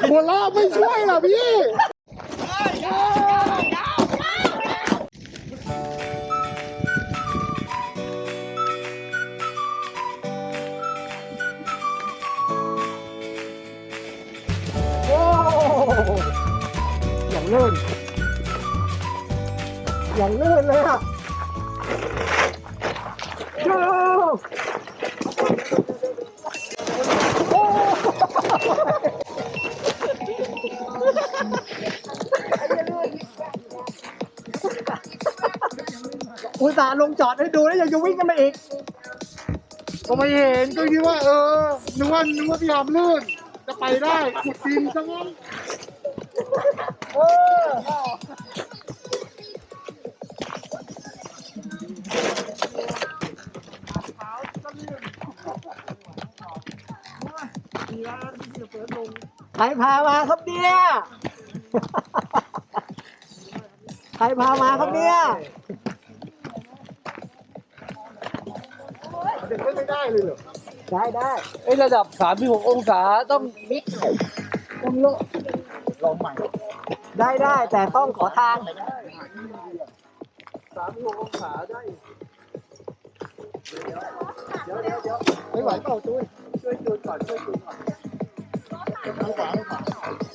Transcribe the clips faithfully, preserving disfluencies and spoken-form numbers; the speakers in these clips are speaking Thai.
หัวเราะไม่ช่วยหรอพี่โอ้อย่างลื่นอย่างลื่นเลยอะอุตส่าห์ลงจอดให้ดูแล้วยังจะวิ่งกันมาอีกก็ไม่เห็นก็คิดว่าเออนึกว่านึกว่าพี่หอมลื่นจะไปได้ขุดดินซะงั้นเออใครพามาครับเนี่ยใครพามาครับเนี่ยเด็กไม่ได้เลยเหรอได้ได้ไอ้ระดับสามสิบหกองศาต้องมิกต้องโลลองใหม่ได้ได้แต่ต้องขอทางสามสิบหกองศาได้เดี๋ยวเดี๋ยวเดี๋ยวไม่ไหวเปล่าจุ้ยช่วยจูนก่อนช่วยจูนก่อนเอาขวาเอาขวา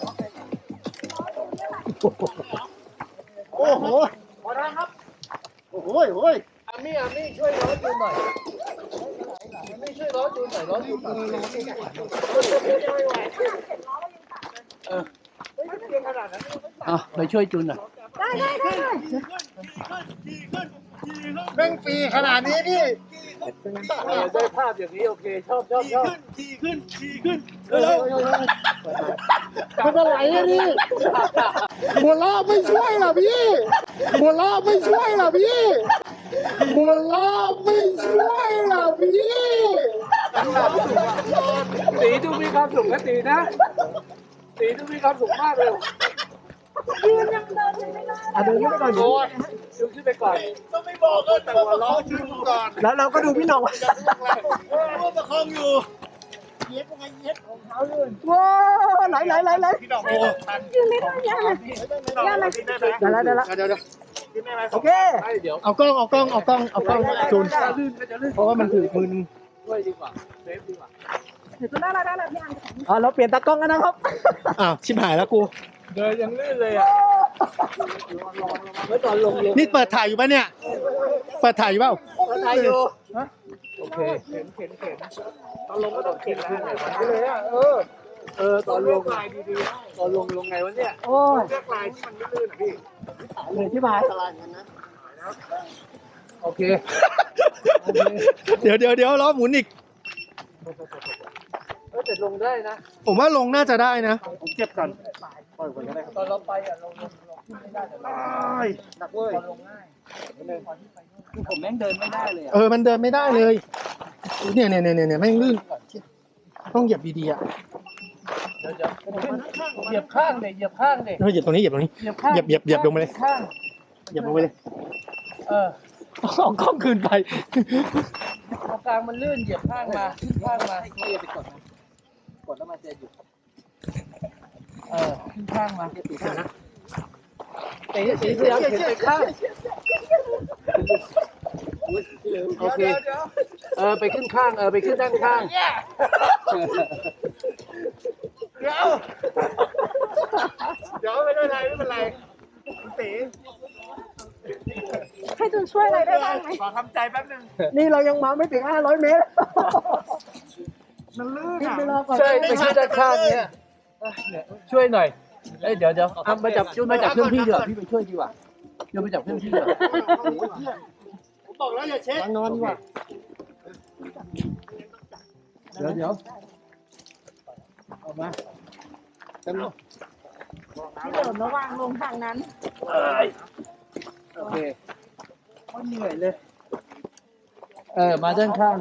โอ้โหพอได้ครับโอ้โหโอ้ยอามี่อามี่ช่วยล้อจูนหน่อยอามี่ช่วยล้อจูนหน่อยล้อจูนหน่อยเออเอาไปช่วยจูนหน่อยได้ได้ได้แม่งปีขนาดนี้พี่ได้ภาพอย่างนี้โอเคชอบชอบชอบขี่ขึ้นขี่ขึ้นมันอะไรอะนี่หัวเราะไม่ช่วยหรอพี่หัวเราะไม่ช่วยหรอพี่หัวเราะไม่ช่วยหรอพี่ตีต้องมีความสุขนะตีนะตีต้องมีความสุขมากเลยยืนยังเดินไม่ได้อ่ะเดินขึ้นไปก่อนดูดูขึ้นไปก่อนต้องไม่บอกก็แต่ว่าร้องชื่อก่อนแล้วเราก็ดูพี่น้องว่าว่าประคองอยู่เย็บไงเย็บของเขาเลยว้าวไหลไหลไหลไหลพี่น้องโอ้ยืนไม่ได้ยังไงยังไงได้แล้วได้แล้วเดี๋ยวเดี๋ยวโอเคเอากล้องเอากล้องเอากล้องเอากล้องจูนเพราะว่ามันถือมือด้วยดีกว่าเซฟดีกว่าเดี๋ยวจะได้ได้ได้พี่อันอ๋อเราเปลี่ยนตากล้องกันนะครับอ้าวชิบหายแล้วกูเดินยังลื่นเลยอ่ะตอนลงนี่เปิดถ่ายอยู่ป่ะเนี่ยเปิดถ่ายอยู่เปล่าเปิดถ่ายอยู่โอเคเข็นเข็นเข็นตอนลงก็ต้องเข็นขึ้นเลยอ่ะเออเออตอนลงดีๆตอนลงลงไงวะเนี่ยโอ้ยเลือกลายที่มันไม่ลื่นอ่ะพี่เหนื่อยที่บายสลายกันนะโอเคเดี๋ยวเดี๋ยวเดี๋ยวล้อหมุนอีกเออแต่ลงได้นะผมว่าลงน่าจะได้นะผมเก็บก่อนปล่อยก่อนก็ได้ตอนเราไปอ่ะลงลงลงไม่ได้แต่หนักเว้ยลงง่ายคือผมแม่งเดินไม่ได้เลยเออมันเดินไม่ได้เลยเนี่ยเนี่ยเนี่ยเนี่ยแม่งลื่นต้องเหยียบดีๆอ่ะเดี๋ยวเดี๋ยวเหยียบข้างเลยเหยียบข้างเลยเหยียบตรงนี้เหยียบตรงนี้เหยียบเหยียบเหยียบลงไปเลยเหยียบลงไปเลยเออเอากล้องคืนไปตรงกลางมันลื่นเหยียบข้างมาขึ้นข้างมาไม่ไปกดนะกดแล้วมันจะหยุดเออขึ้นข้างมาตีข้างนะตีตีพยายามเข็นไปข้างโอเคเออไปขึ้นข้างเออไปขึ้นด้านข้างเดี๋ยวเดี๋ยวไม่เป็นไรไม่เป็นไรตีให้จุนช่วยอะไรได้บ้างไหมขอทำใจแป๊บนึงนี่เรายังมาไม่ถึงห้าร้อยเมตรมันลื่นอ่ะใช่ไปขึ้นด้านข้างเนี่ยช่วยหน่อยเอ้ยเดี๋ยวเดี๋ยวเอามาจับจุ้นมาจับเพื่อนพี่เดี๋ยวพี่ไปช่วยดีกว่าเดี๋ยวไปจับเพื่อนพี่เดี๋ยวผมบอกแล้วอย่าเช็คนอนดีกว่าเดี๋ยวเดี๋ยวเอามาที่เดินระหว่างลงทางนั้นโอเคไม่เหนื่อยเลยเออมาด้านข้าง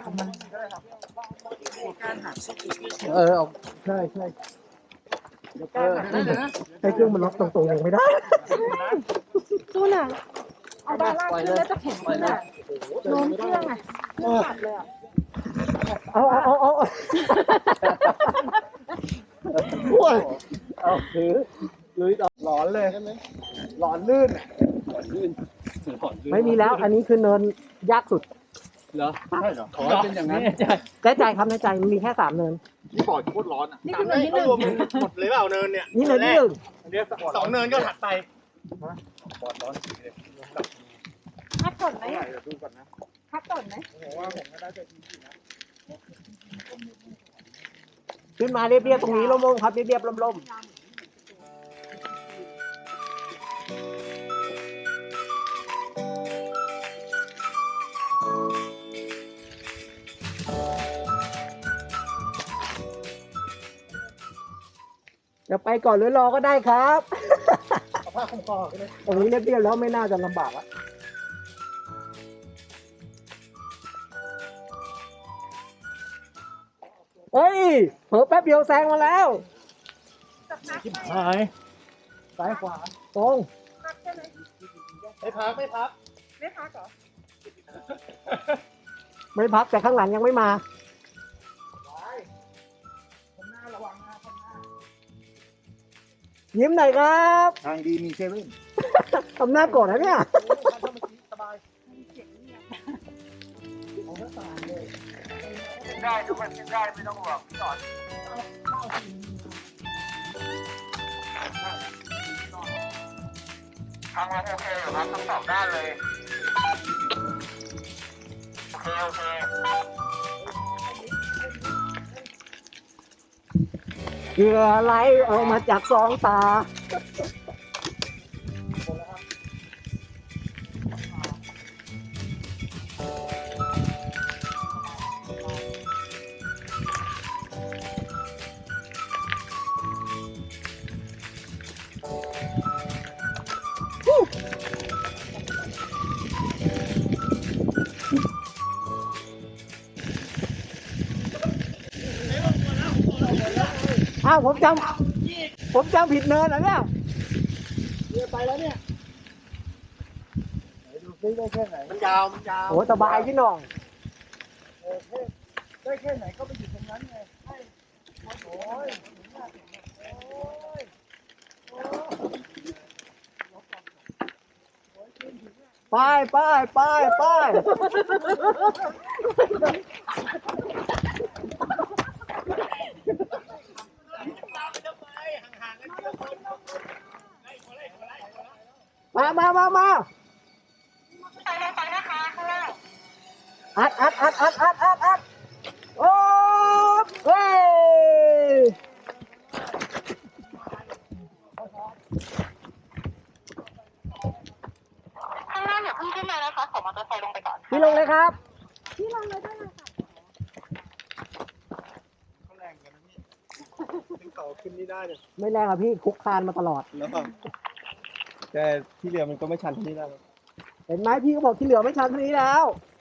เออเอาใช่ใช่เออให้เครื่องมันล็อกตรงๆยังไม่ได้จูน่ะเอาด้านล่างขึ้นแล้วจะแข็งขึ้นอ่ะโน้มเครื่องอ่ะขัดเลยอ่ะเอาเอาเอาเอาด้วยเอาถือลุยต่อหลอนเลยหลอนลื่นอะลื่นหอนลื่นไม่มีแล้ว อันนี้คือเนินยากสุดเหรอใช่เหรอขอให้เป็นอย่างนั้นแน่ใจครับแน่ใจมันมีแค่สามเนินที่ปอดโคตรร้อนอ่ะนี่คือเนินที่หนึ่งรวมหมดเลยเปล่าเนินเนี่ยนี่เนินที่หนึ่งเดี๋ยวสองเนินก็ถัดไปปอดร้อนสีเลยพักก่อนไหมเดี๋ยวดูก่อนนะพักก่อนไหมผมว่าผมก็ได้จะดีนะขึ้นมาเรียบๆตรงนี้ร่มๆครับเรียบๆร่มๆจะไปก่อนหรือรอก็ได้ครับเอาผ้าคลุมคอกันเลยตรงนี้เรียบๆแล้วไม่น่าจะลำบากอะเฮ้ยเผลอแป๊บเดียวแซงมาแล้วหายซ้ายขวาตรงพักใช่ไหมไม่พักไม่พักไม่พักเหรอไม่พักแต่ข้างหลังยังไม่มาคนหน้าระวังนะคนหน้ายิ้มหน่อยครับทางดีมีเซเว่นทำหน้าโกรธนะเนี่ยสบายได้ทุกคนกินได้ไม่ต้องห่วงพี่สอนทางเราโอเคอยู่ครับทั้งสองด้านเลยโอเคโอเคเหยื่อไหลออกมาจากสองตา อ้าวผมจำผมจำผิดเนินเหรอเนี่ยเรือไปแล้วเนี่ยไหนดูซิได้แค่ไหนมันยาวมันยาวโอ้สบายพี่น้องเออแค่ได้แค่ไหนก็ไปอยู่ตรงนั้นไงให้โอ้ยไปไปไปไปมามามามาอัดอัดอัดอัดอัดอัดอัดโอ้เฮ้ยข้างหน้าอย่าเพิ่งขึ้นมานะคะขอมอเตอร์ไซค์ลงไปก่อนพี่ลงเลยครับที่ลงเลยได้เลยค่ะเขาแรงกันนะพี่ขึ้นเขาขึ้นนี่ได้เลยไม่แรงอ่ะพี่คุกคานมาตลอดแล้วแต่ที่เรือมันก็ไม่ชันที่นี่ได้หรอกเห็นไหมพี่ก็บอกที่เหลือไม่ชันเท่านี้แล้ว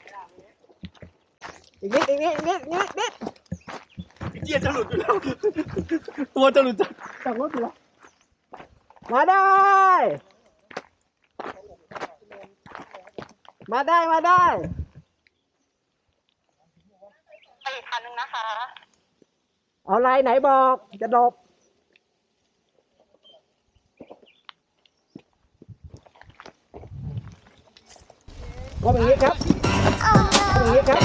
อีกนิดอีกนิดอีกนิดอีกนิดนิดเกียร์จะหลุดอยู่แล้ว ตัวจะหลุดจากจากรถอยู่แล้วมาได้ มาได้มาได้ไปอีกคันนึงนะคะเอาลายไหนบอกจะดบก็อย่างนี้ครับก็อย่างนี้ครับ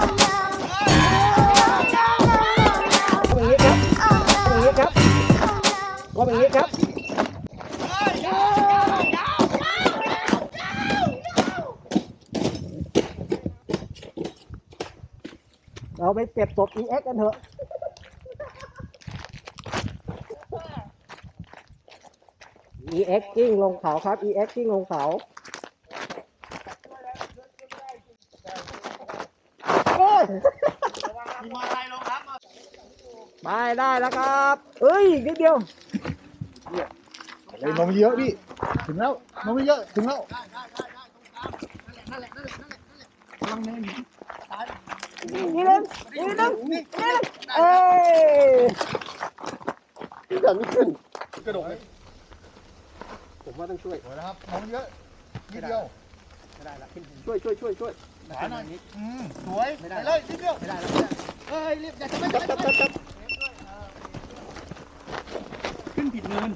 ก็อย่างนี้ครับก็อย่างนี้ครับก็อย่างนี้ครับเราไปเก็บศพ อี เอ็กซ์ กันเถอะ อี เอ็กซ์ กิ้งลงเขาครับ อี เอ็กซ์ กิ้งลงเขาโอ้ยมีมอไซค์ลงครับไปได้แล้วครับเอ้ยอีกนิดเดียวเลยนมเยอะพี่ถึงแล้วนมเยอะถึงแล้วนี่นึงนี่นึงนี่นึงเอ้ยเกิดไม่ขึ้นกระโดดเลยผมว่าต้องช่วยสวยนะครับนมเยอะนิดเดียวไม่ได้ละช่วยช่วยช่วยช่วยขวาหน่อยอืมสวยไปเลยนิดเดียวไม่ได้แล้วเฮ้ยรีบอย่าจะไม่จับจับจับจับ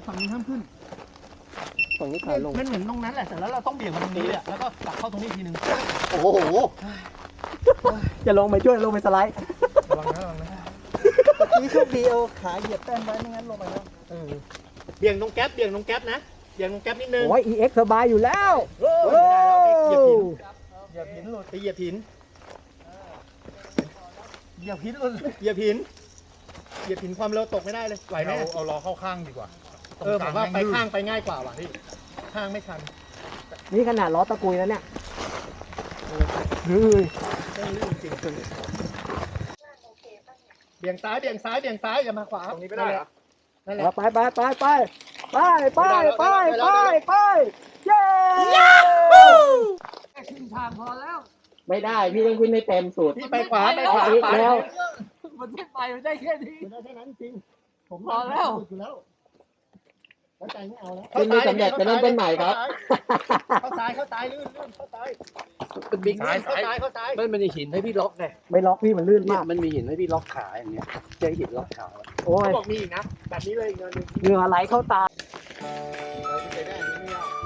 ฝั่งนี้ห้ามขึ้นฝั่งนี้ขาลงมันเหมือนตรงนั้นแหละแต่แล้วเราต้องเบี่ยงมาตรงนี้เลยแล้วก็กลับเข้าตรงนี้ทีนึงโอ้โหจะลงไปช่วยลงไปสไลด์ระวังนะระวังนะนี่โชคดีเอาขาเหยียบแป้นไว้ไม่งั้นลงไปแล้วเออเบี่ยงตรงแก๊ปเบี่ยงตรงแก๊ปนะเบี่ยงตรงแก๊ปนิดนึงโอ้ย อี เอ็กซ์ สบายอยู่แล้วโอ้ยไม่ได้แล้วไปเหยียบหินเหยียบหินหลุดไปเหยียบหินเหยียบหินหลุดเหยียบหินเหยียบหินความเร็วตกไม่ได้เลยไหวไหมเอาเอาล้อเข้าข้างดีกว่าเออผมว่าไปข้างไปง่ายกว่าว่ะพี่ข้างไม่ชันนี่ขนาดล้อตะกุยแล้วเนี่ยเฮ้ยต้องลื่นจริงเบี่ยงซ้ายเบี่ยงซ้ายเบี่ยงซ้ายอย่ามาขวาตรงนี้ไม่ได้เหรอนั่นแหละไปไปไปไปไปไปไปไปไปเย้แค่ครึ่งทางพอแล้วไม่ได้ พี่ต้องขึ้นให้เต็มสุดพี่ไปขวาไปขวาอีกแล้วมันไม่ไปมันได้แค่นี้ได้แค่นั้นจริงผมพอแล้วอยู่แล้วแล้วใจไม่เอาแล้วขึ้นไม่สำเร็จไปเริ่มต้นใหม่ครับเข้าซ้ายเข้าซ้ายลื่นลื่นเข้าซ้ายเป็นบิ๊กซ้ายเข้าซ้ายเข้าซ้ายมันมีหินให้พี่ล็อกไงไม่ล็อกพี่มันลื่นเนี่ยมากมันมีหินให้พี่ล็อกขาอย่างเงี้ยเจอหินล็อกขาโอ้ยเขาบอกมีอีกนะแบบนี้เลยอีกเนินหนึงเหงื่อไหลเข้าตาเราไปได้อันนี้ไม่ยาก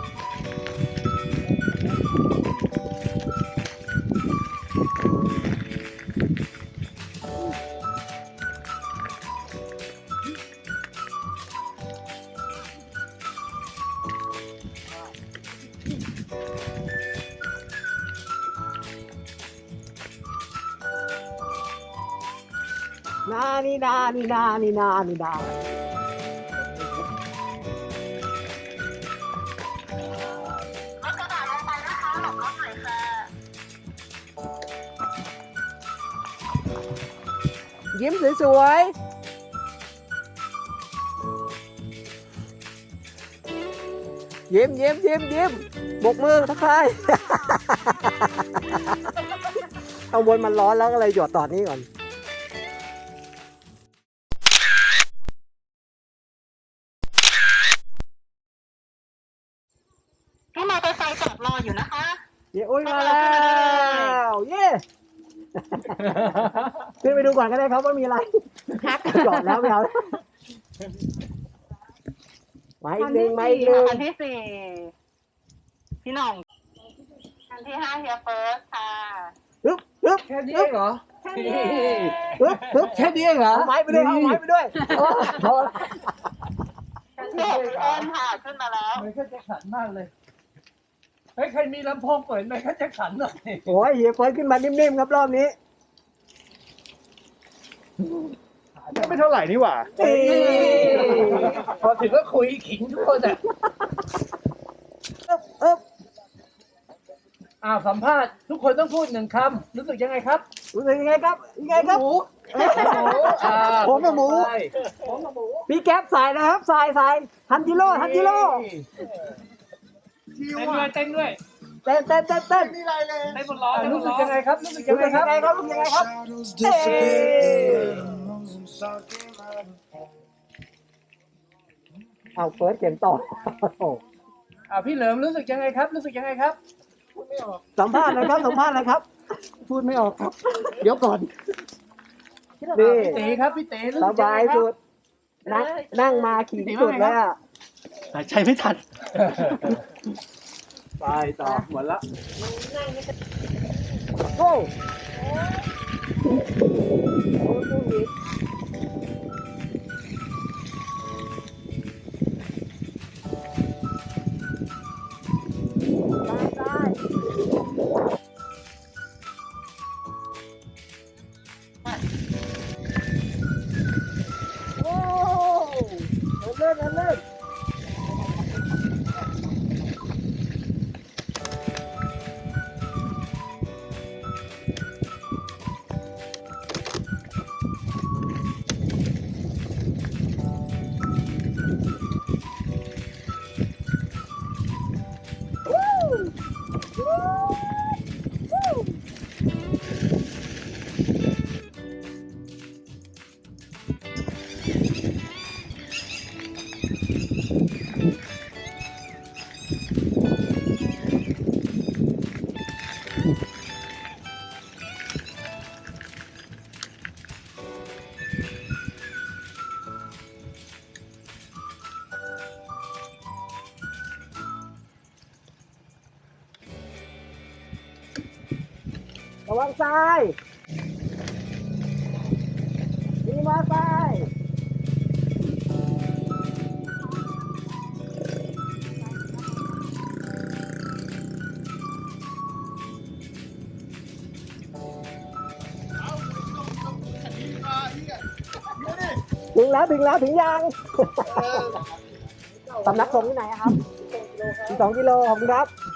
นานี่นานี่นานี่นานี่นายิ้มสวยๆยิ้มยิ้มยิ้มยิ้มบกมือทักทาย เอาวนมันร้อนแล้วก็เลยหยดต่อนี้ก่อนพี่มอเตอร์ไซค์จอดรออยู่นะคะเย้อุ้ยมาแล้วเย้ขึ้นไปดูก่อนก็ได้ครับว่ามีอะไรจอดแล้วไม่เอามาอีกหนึ่งมาอีกหนึ่งคันที่สี่พี่หน่องคันที่ห้าเฮียเฟิร์สค่ะฮึบฮึบแค่นี้เองเหรอฮึบฮึบแค่นี้เองเหรอเอาไม้ไปด้วยเอาไม้ไปด้วยโอ้พอละคันที่หกพี่อ้นค่ะขึ้นมาแล้วมันก็จะขันมากเลยเฮ้ยใครมีลำโพงเปิดไหมก็จะขันหน่อยโอ้ยเฮียเฟิร์สขึ้นมานิ่มๆครับรอบนี้ไม่เท่าไหร่นี่หว่าเอ้ยพอถึงก็คุยขิงทุกคนอ่ะอึ๊บอึ๊บอ้าวสัมภาษณ์ทุกคนต้องพูดหนึ่งคำรู้สึกยังไงครับรู้สึกยังไงครับยังไงครับหมูหมูอ่าผมกับหมูไปผมกับหมูพี่แก๊ปใส่นะครับใส่ใส่ทันจิโร่ทันจิโร่เต้นด้วยเต้นด้วยเต้นเต้นเต้นเต้นนี่ไรเลยเต้นบนล้อรู้สึกยังไงครับรู้สึกยัรู้งไงสึกคยัรับงไงครับรู้สึกยังไงครับเอ้ยเอาเฟิร์สเขียนต่อโอ้โหอ่าพี่เหลิมรู้สึกยังไงครับ รู้สึกยังไงครับสัมภาษณ์เลยครับสัมภาษณ์เลยครับ พูดไม่ออกครับ เดี๋ยวก่อนนี่พี่ตีครับพี่ตีรู้สสึกยังบาไงยครัสุบดนั่งนั่งมาขี่สุดแล้วอะหายใจไม่ทันไปต่อหมดละโอ้โอ้เล่นเล่นเล่นวังซ้ายมีมาซ้าย ถึงแล้วถึงแล้วถึงยัง สำนักสงฆ์ที่ไหนอะครับสองกิโลขอบคุณครับ